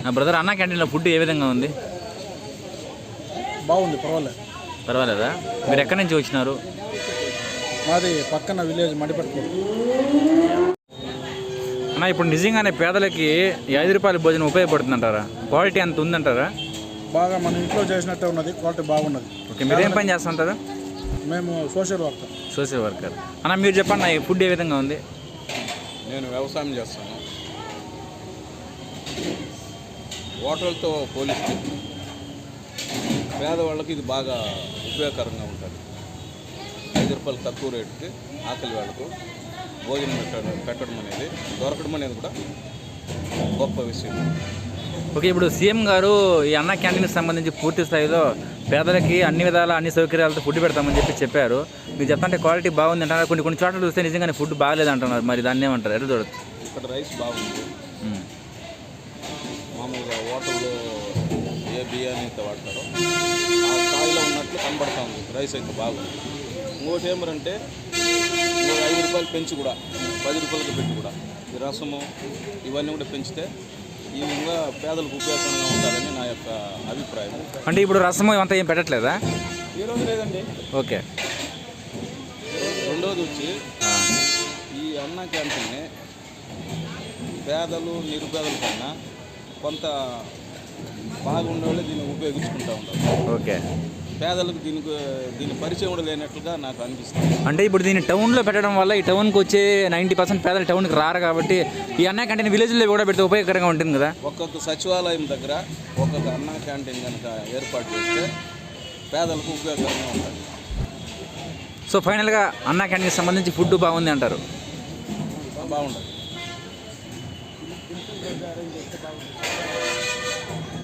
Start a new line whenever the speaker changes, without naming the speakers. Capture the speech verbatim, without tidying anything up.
Brother, అన్న క్యాంటీన్లో food ఏ విధంగా ఉంది?
బాగుంది, పర్వాలేదు.
పర్వాలేదా? మీరు ఎక్కడి నుంచి వచ్చినారు?
మాది పక్కన విలేజ్ మడిపట్టుకోడు.
అన్న, ఇప్పుడు నిజంగానే పేదలకి ఈ ఐదు రూపాయల భోజనం ఉపయోగపడుతుందంటారా? క్వాలిటీ అంత ఉందంటారా?
బాగా మన ఇంట్లో చేసినట్టే ఉన్నది, క్వాలిటీ బాగున్నది.
ఓకే, మీరు ఏం పని చేస్తుంటారు?
మేము సోషల్ వర్కర్.
Social worker. అన్న, మీరు చెప్పండి, ఈ ఫుడ్ ఏ విధంగా ఉంది?
నేను వ్యవసాయం చేస్తాను. హోటల్తో పోలిస్తే పేదవాళ్ళకి ఇది బాగా ఉపయోగకరంగా ఉంటుంది. ఐదు రూపాయలు తక్కువ రేటుకి ఆకలి వాళ్ళకు భోజనం పెట్టడం పెట్టడం అనేది దొరకడం అనేది కూడా గొప్ప విషయం.
ఓకే, ఇప్పుడు సీఎం గారు ఈ అన్న క్యాంటీన్కి సంబంధించి పూర్తి స్థాయిలో పేదలకి అన్ని విధాల అన్ని సౌకర్యాలతో ఫుడ్ పెడతామని చెప్పి చెప్పారు. మీరు చెప్తుంటే క్వాలిటీ బాగుంది అంటున్నారు, కొన్ని కొన్ని చోట్ల చూస్తే నిజంగానే ఫుడ్ బాగాలేదు అంటున్నారు. మరి దాన్ని ఏమంటారు? ఎట్లా చూడొచ్చు?
ఇక్కడ రైస్ బాగుంది. మామూలుగా హోటల్లో ఏ బిర్యానీ అయితే వాడతారో ఆ స్థాయిలో ఉన్నట్లు కనబడతా ఉంది. రైస్ అయితే బాగుంది. ఇంకోటి ఏమరంటే ఐదు రూపాయలు పెంచి కూడా పది రూపాయలకి పెట్టి కూడా ఈ రసము ఇవన్నీ కూడా పెంచితే ఈ విధంగా పేదలకు ఉపయోగకరంగా ఉండాలని నా యొక్క అభిప్రాయం.
అంటే ఇప్పుడు రసము ఇవంతా ఏం పెట్టట్లేదా?
ఈరోజు లేదండి.
ఓకే.
రెండోది వచ్చి ఈ అన్న క్యాంటీన్ని పేదలు నిరుపేదల కన్నా కొంత బాగుండే వాళ్ళు దీన్ని ఉపయోగించుకుంటూ ఉంటారు.
ఓకే.
పేదలకు దీనికి దీని పరిచయం కూడా లేనట్లుగా నాకు అనిపిస్తుంది.
అంటే ఇప్పుడు దీన్ని టౌన్లో పెట్టడం వల్ల ఈ టౌన్కి వచ్చే నైంటీ పర్సెంట్ పేదలు టౌన్కి రారు కాబట్టి ఈ అన్న క్యాంటీన్ విలేజ్లో కూడా పెడితే ఉపయోగకరంగా ఉంటుంది కదా.
ఒక్కొక్క సచివాలయం దగ్గర ఒక్కొక్క అన్న క్యాంటీన్ కనుక ఏర్పాటు చేస్తే పేదలకు ఉపయోగకరంగా ఉంటుంది.
సో ఫైనల్గా అన్న క్యాంటీన్కి సంబంధించి ఫుడ్ బాగుంది అంటారు?
బాగుంటుంది.